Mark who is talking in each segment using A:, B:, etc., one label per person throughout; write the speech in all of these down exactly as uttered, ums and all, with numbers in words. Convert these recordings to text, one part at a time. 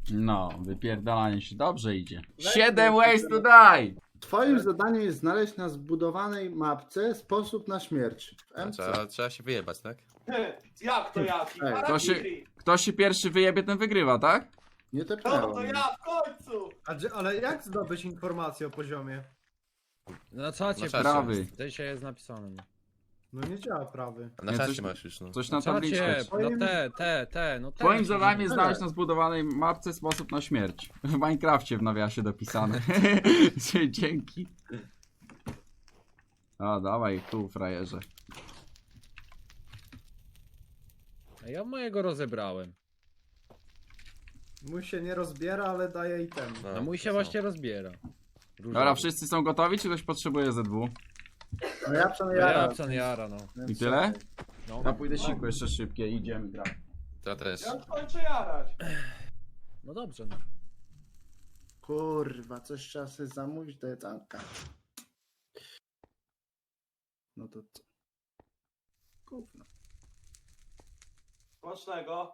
A: No, wypierdalanie się dobrze idzie. Siedem ways to die!
B: Twoim zadaniem jest znaleźć na zbudowanej mapce sposób na śmierć. W
C: A
B: M C.
C: Trzeba, trzeba się wyjebać, tak?
D: Jak to jaki?
B: Ej,
A: to się-
D: Harakiri.
A: Kto się pierwszy wyjebie, ten wygrywa, tak?
B: Nie
D: No to
B: tepnęło.
D: ja w końcu!
E: A, gdzie- ale jak zdobyć informację o poziomie?
F: Na czacie,
C: Na czacie.
A: Prawy.
F: dzisiaj jest napisane. No.
E: No nie działa prawy.
C: A na
A: Nie,
C: czacie
A: coś-
C: masz już, no.
A: Coś
F: Na
A: na tabliczkę.
F: czacie,
E: Twoim-
F: no te, te, te, no te.
A: Twoim zadaniem jest
B: Tyle.
A: znaleźć na zbudowanej mapce sposób na śmierć. W Minecrafcie w nawiasie dopisane. Dzięki. O, dawaj tu, frajerze.
F: A ja mojego rozebrałem.
E: Mój się nie rozbiera, ale daje item.
C: No,
F: A mój się
C: to
F: właśnie rozbiera. Różowy.
A: Dobra, wszyscy są gotowi, czy ktoś potrzebuje Z W?
B: No ja
F: Ja
B: przynajmniej
F: psan jara, no.
A: I tyle?
F: no.
A: Ja pójdę siku jeszcze szybkie i idziemy grać.
C: To też.
D: Ja już kończę jarać.
F: No dobrze, no.
B: Kurwa, coś trzeba sobie zamówić do jedzonka. No to co? Gówno.
D: Smacznego.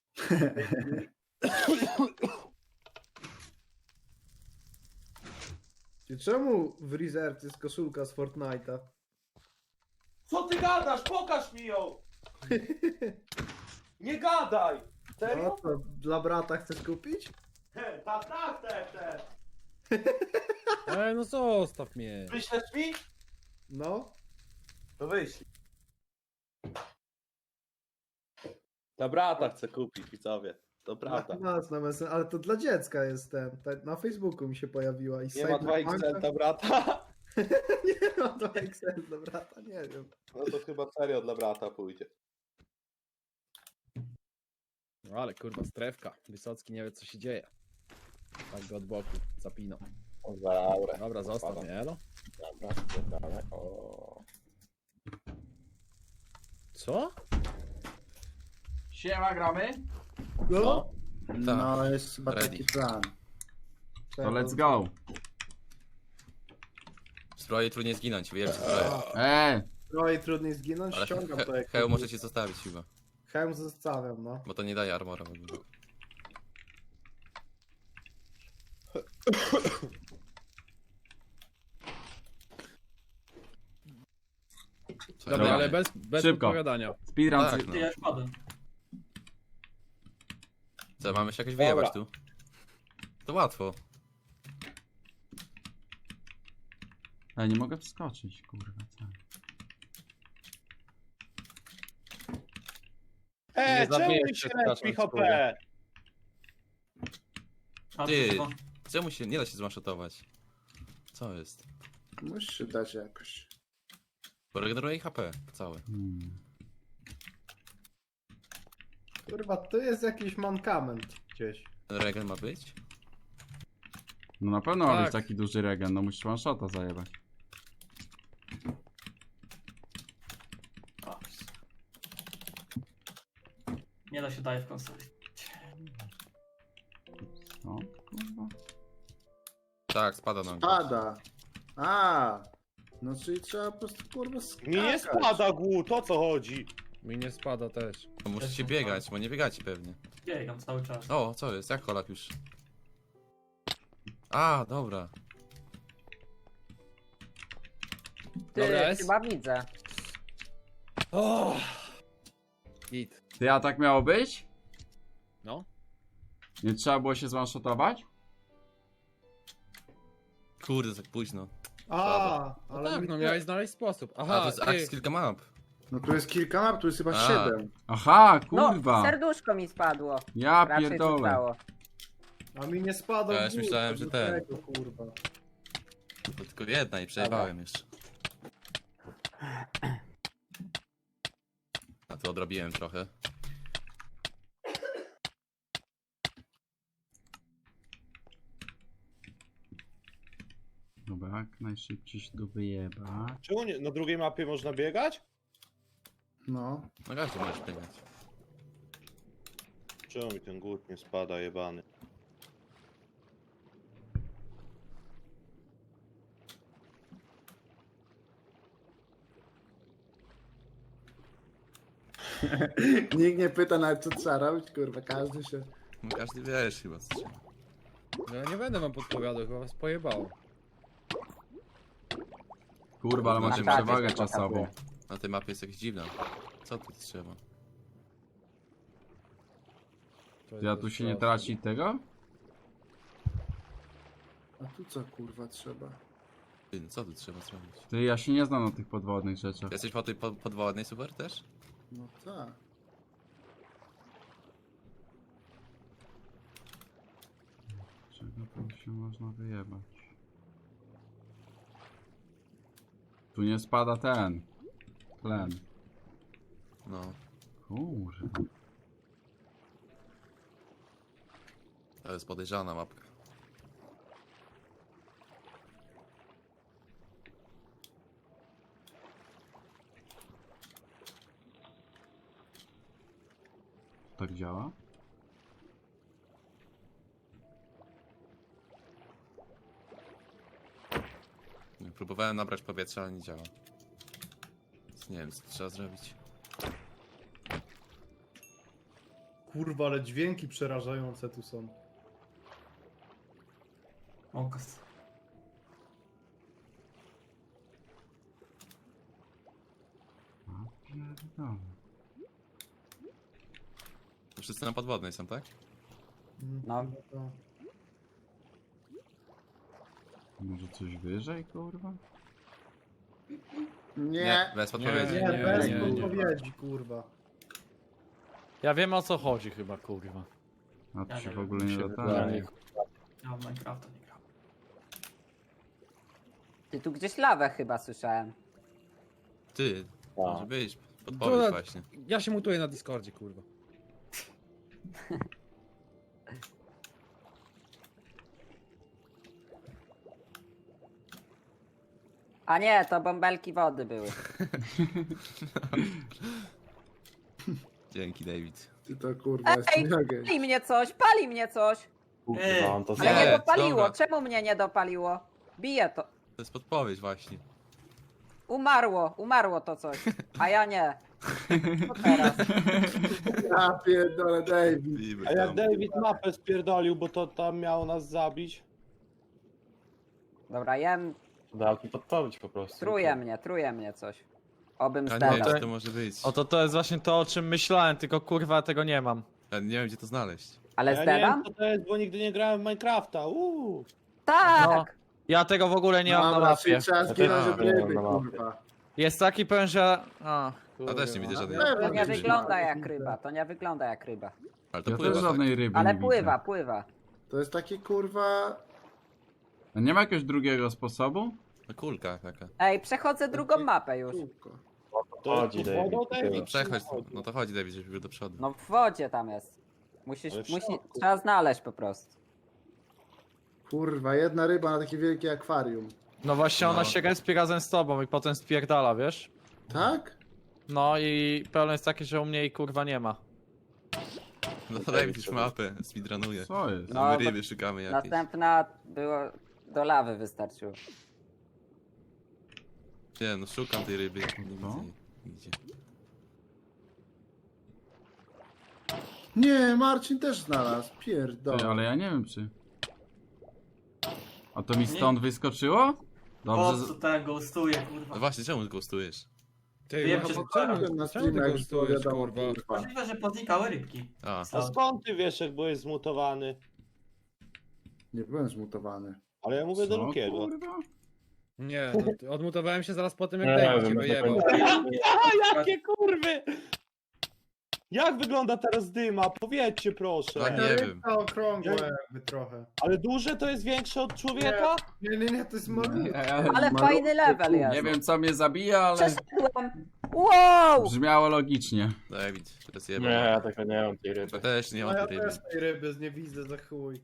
E: I czemu w Reserve jest koszulka z Fortnite'a?
D: Co ty gadasz? Pokaż mi ją! Nie gadaj!
E: No
D: Serio?
E: to dla brata chcesz kupić?
D: He, Tak, tak, tak, tak.
F: Ej, no zostaw mnie.
D: Wyślesz mi?
E: No.
D: To wyślij. Dla brata chcę kupić, widzowie. To prawda.
E: Na nas na mesen- ale to dla dziecka jest ten. Ta- Na Facebooku mi się pojawiła. I
D: Nie ma dwa X L dla brata?
E: Nie ma dwa X L dla brata, nie wiem.
D: No to chyba serio dla brata pójdzie.
F: No ale kurwa, strefka. Wysocki nie wie co się dzieje. Tak go od boku zapinał.
D: Dobra.
F: Dobra, zostaw mnie, elo.
D: Dobra, dobra. O.
F: Co?
A: Siema, gramy?
E: No.
B: No jest chyba
C: Ready.
B: taki plan.
A: To let's go.
C: W zbroi trudniej zginąć, wyjebać zbroję.
A: Eee,
E: No i trudniej zginąć,
C: Ale
E: ściągam
C: he,
E: to jak...
C: hełm możecie zostawić chyba,
E: Hełm zostawiam, no.
C: bo to nie daje armora w ogóle. Co
F: Dobra,
C: ja
F: ale
C: robię?
F: bez, bez
A: Szybko.
F: odpowiadania.
A: speedrun.
C: Tak,
A: cy-
C: no.
D: Ja wpadłem.
C: Co, mamy się jakoś wyjebać tu? To łatwo.
A: Ja nie mogę wskoczyć, kurwa. Co?
D: E,
C: Nie
D: czemu
C: zabijesz
D: mi
C: się,
D: się
C: przepraszam,
D: lepi H P?
C: Ty, czemu się nie da się zmaszotować? Co jest?
B: Musisz się dać jakoś.
C: Bo regeneruje H P całe.
A: Hmm.
E: Kurwa, tu jest jakiś mankament gdzieś.
C: Regen ma być?
A: No na pewno ma
F: Tak.
A: być taki duży regen, no musisz one shota zajebać.
G: Nie da się daje w konsoli.
A: No, kurwa.
C: Tak, spada nam.
B: Pada. A. No czyli trzeba po prostu kurwa skakać.
D: Mi nie spada głód, o co chodzi?
F: Mi nie spada też.
C: To musicie biegać, bo nie biegacie pewnie.
G: Biegam cały czas.
C: O, co jest? Jak Holak już? A, dobra.
H: Ty,
F: Dobra, jest?
H: chyba widzę.
F: O! Git.
A: Ty, a tak miało być?
F: No.
A: Nie trzeba było się zwanshotować?
C: Kurde, tak późno.
E: A,
F: No
E: ale
F: tak,
E: mi-
F: no miałeś znaleźć sposób.
C: A,
F: Aha,
C: to jest
F: ty,
C: akcja kilka map.
B: No tu jest kilka map, tu jest chyba
C: A.
B: siedem.
A: Aha,
H: No,
A: kurwa.
H: serduszko mi spadło.
A: Ja
H: Raczej
A: pierdolę.
H: zostało.
E: A mi nie spadł
C: Ja już
E: głód,
C: myślałem,
E: to
C: że
E: do
C: ten.
E: tego, kurwa.
C: To tylko jedna i przejebałem jeszcze. A to odrobiłem trochę.
A: Dobra, jak najszybciej się do wyjeba.
D: Czemu nie? Na drugiej mapie można biegać?
B: No.
C: No każdy możesz biegać.
D: Czemu mi ten głód nie spada, jebany?
B: Nikt nie pyta nawet co trzeba robić, kurwa, każdy się
C: No każdy wiesz chyba co trzeba.
F: No ja nie będę wam podpowiadał, chyba was pojebało.
A: Kurwa, ale macie
C: Na czacie
A: przewagę
H: się
A: czasową.
H: pokazuje.
C: Na tej mapie jest jakaś dziwna. Co tu trzeba?
F: To jest
A: Ja tu się nie
F: proste.
A: traci tego?
B: A tu co kurwa trzeba?
C: Ty, no co tu trzeba zrobić?
A: Ty, ja się nie znam na tych podwodnych rzeczach.
C: Jesteś po tej po, podwodnej super też?
B: No tak.
A: Czego tu się można wyjebać? Tu nie spada ten. Tlen.
C: No.
A: Kurwa.
C: To jest podejrzana mapka.
A: Tak działa?
C: Próbowałem nabrać powietrza, ale nie działa. Więc nie wiem co trzeba zrobić.
E: Kurwa, ale dźwięki przerażające tu są.
G: Okaz.
A: A pierdolę.
C: To wszyscy na podwodnej są, tak?
H: No.
E: To-
A: Może coś wyżej, kurwa?
B: Nie.
C: bez podpowiedzi.
E: Nie,
F: Nie,
E: bez
F: nie, nie.
E: podpowiedzi, kurwa.
I: Ja wiem o co chodzi chyba, kurwa.
A: A tu
G: Ja
A: się
G: nie
A: w ogóle nie
I: się
A: dotarło.
I: wydaje.
G: Ja w Minecrafta nie gram.
H: Ty tu gdzieś lawę chyba słyszałem.
C: Ty,
D: Tak.
C: może być. Podpowiedź
F: To-
C: właśnie.
F: Ja się mutuję na Discordzie, kurwa.
H: A nie, to bąbelki wody były.
C: Dzięki, David.
B: Ty to kurwa jest
H: Ej,
B: nogę.
H: pali mnie coś, pali mnie coś.
G: Ej,
D: Mam to
H: Ale
C: Nie,
H: nie dopaliło,
C: dobra.
H: czemu mnie nie dopaliło? Bije to.
C: To jest podpowiedź właśnie.
H: Umarło, umarło to coś. A ja nie. Co teraz?
B: Ja pierdolę David.
C: Niby
D: A jak
C: tam.
D: David mapę spierdolił, bo to tam miało nas zabić?
H: Dobra, jem,
D: Dał mi podpowiedź po prostu.
H: truje mnie, truje mnie coś. Obym
C: Ja nie
H: zdał.
C: wiem, co to może być.
I: O to to jest właśnie to, o czym myślałem, tylko kurwa tego nie mam.
C: Ja nie wiem, gdzie to znaleźć.
H: Ale
D: Ja nie wiem
H: zdedam?
D: co to jest, bo nigdy nie grałem w Minecrafta. Uuu.
H: Tak!
I: No. Ja tego w ogóle nie mam na
B: Dobra,
I: mapie.
B: czyli trzeba zginąć od
C: Ja
B: ryby,
D: na mapie.
B: kurwa.
I: Jest taki pewien, że... A,
C: A też nie widzę żadnej.
B: pewno
H: To nie
B: Gdzieś
H: wygląda
B: ma.
H: jak ryba, to nie wygląda jak ryba.
C: Ale to
A: Ja
C: pływa,
A: też
C: tak.
A: żadnej ryby
H: Ale
A: nie
H: pływa,
A: widzę.
H: pływa.
B: To jest taki kurwa...
A: A nie ma jakiegoś drugiego sposobu?
C: No kulka taka.
H: Ej, przechodzę drugą mapę już.
B: kółko.
D: To jest pod wodą,
C: No
D: David?
C: przechodź, no to chodzi, David, żebyś był do przodu.
H: No w wodzie tam jest. Musisz,
D: Ale w
H: musi,
D: środku.
H: trzeba znaleźć po prostu.
B: Kurwa, jedna ryba na takie wielkie akwarium.
I: no właśnie ona
C: No.
I: się respi razem z tobą i potem spierdala, wiesz?
B: Tak?
I: No i problem jest taki, że u mnie jej kurwa nie ma.
C: No to David już mapę speedrunuje.
A: Co jest?
H: No,
C: A my
H: to
C: ryby szukamy jakieś.
H: Następna było do lawy wystarczyło.
C: Nie, no szukam tej ryby. Nie widzę
A: No.
C: jej nigdzie.
B: Nie, Marcin też znalazł.
A: Ty,
B: Pierdolę.
A: ale ja nie wiem czy... A to mi stąd wyskoczyło?
G: Po
A: Dobrze,
G: co
A: z-
G: ten ghostuje,
C: No
G: kurwa?
C: właśnie, czemu ghostujesz?
F: Ty,
G: Wiem,
F: no,
G: że-
F: czemu,
B: Czemu na
F: czemu ty
B: streamach już było
F: gustujesz,
B: wiadomo,
F: kurwa?
B: kurwa.
G: Możliwe, że poznikały rybki.
C: A,
D: A skąd ty wiesz, jak byłeś zmutowany?
B: Nie byłem zmutowany.
D: Ale ja mówię do
A: co,
D: Lukiego.
A: kurwa?
F: Nie, no, ty- odmutowałem się zaraz po tym, jak
D: Nie
F: David cię
D: wiem,
F: wyjebał.
D: A, jakie kurwy! Jak wygląda teraz dyma? Powiedzcie proszę.
C: Tak, nie wiem.
E: To okrągłe jakby trochę.
D: Ale duże to jest większe od człowieka?
E: Nie, nie, nie, to jest malutkie.
H: Ale
B: Malutkie,
H: fajny level jest.
A: Nie wiem co mnie zabija, ale
H: Przeszedłem. Wow!
A: brzmiało logicznie.
C: David, teraz jebał.
D: ja tego nie mam tej ryby.
C: Ja też nie
E: No
C: mam
E: ja
C: tej ryby.
E: też tej ryby nie widzę za chuj.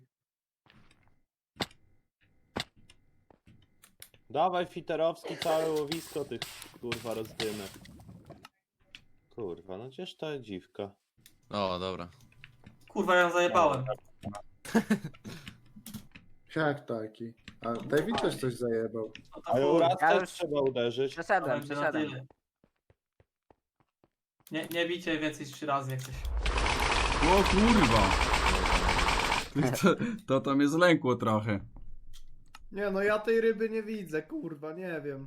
D: Dawaj fiterowski całe łowisko tych kurwa rozdymek. Kurwa, no gdzież ta dziwka?
C: O, dobra.
G: Kurwa, ja ją zajebałem.
B: Jak taki? A David też coś zajebał.
G: No to
D: A ją
G: chuj.
D: raz
H: Ja
D: też
H: już-
D: trzeba uderzyć.
H: Przeszedłem,
G: Będzie na
H: przeszedłem.
G: tyle. Nie, nie bicie więcej niż trzy razy jak coś.
A: O kurwa! To, to to mnie zlękło trochę.
E: Nie no, ja tej ryby nie widzę, kurwa, nie wiem.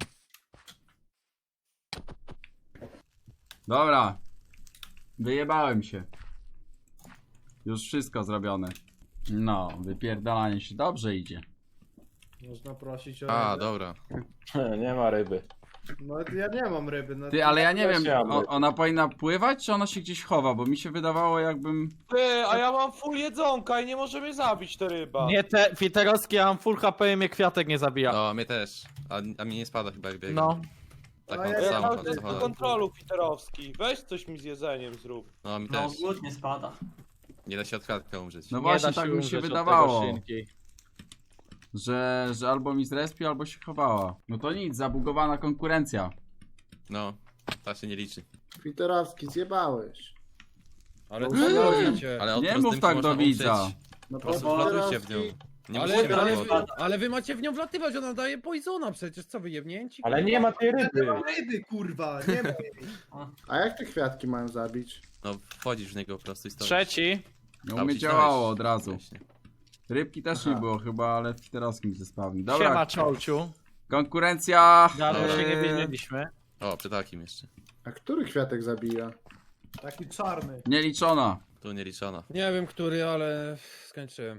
A: Dobra. Wyjebałem się. Już wszystko zrobione. No, wypierdalanie się dobrze idzie.
E: Można prosić o
C: A,
E: rybę.
C: dobra.
D: Nie ma ryby.
E: No ja nie mam ryby. No,
A: Ty, ale ja nie
D: Też
A: wiem,
D: nie mam
A: o,
D: ryby.
A: ona powinna pływać, czy ona się gdzieś chowa? Bo mi się wydawało, jakbym...
D: Ty, a ja mam full jedzonka i nie może mnie zabić ta ryba.
I: Nie te Fiterowski, ja mam full H P i mnie kwiatek nie zabija.
C: No, mnie też. A, a mnie nie spada chyba jak biegam.
I: No.
C: Tak
E: A
C: mam
E: ja-
C: to
D: Ja
C: samo.
D: cały
C: to
D: czas do
C: samo.
D: kontrolu Fiterowski. Weź coś mi z jedzeniem zrób.
C: No, mi
G: No,
C: też.
G: głód nie spada.
C: Nie da się od kwiatka umrzeć.
A: No
I: Nie
A: właśnie,
I: da się
A: tak mi się
I: umrzeć od tego
A: wydawało.
I: szynki.
A: Że, że albo mi zrespi, albo się chowała. No to nic, zabugowana konkurencja.
C: No, ta się nie liczy.
B: Twitterowski, zjebałeś.
F: Ale
B: Nie.
F: co robicie?
C: Ale od
A: Nie
C: rozdymki
A: mów tak
C: można
A: do widza.
C: umrzeć.
B: No
C: Po prostu
G: bo
C: wlatujcie w nią. Nie
F: Ale,
C: musicie
F: ale,
C: mieć
F: wy,
C: wody.
F: ale wy macie w nią wlatywać, ona daje poisona przecież, co wy jebnięci?
D: Ale nie ma tej
E: Nie
D: ryby.
E: mam ryby, kurwa, nie ma jej.
B: A jak te kwiatki mają zabić?
C: No, wchodzisz w niego po prostu i stoisz.
I: Trzeci.
A: No
C: A,
A: u mnie
C: wcisnąłeś
A: działało od razu.
C: wcześniej.
A: Rybki też
B: Aha.
A: nie było chyba, ale w Twitterowskim zespawni. Dobra,
I: Siema czołciu.
A: konkurencja...
I: Dawno
C: Dobra.
I: się nie
A: Eee,
I: widzieliśmy.
C: O, przy takim jeszcze.
B: A który kwiatek zabija?
E: Taki czarny.
A: nieliczona.
C: Tu nie liczono.
F: Nie wiem który, ale skończyłem.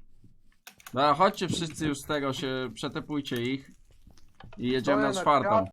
A: Dobra, chodźcie wszyscy już z tego, się przetepujcie ich. I jedziemy
E: Stoję
A: na
E: na
A: czwartą.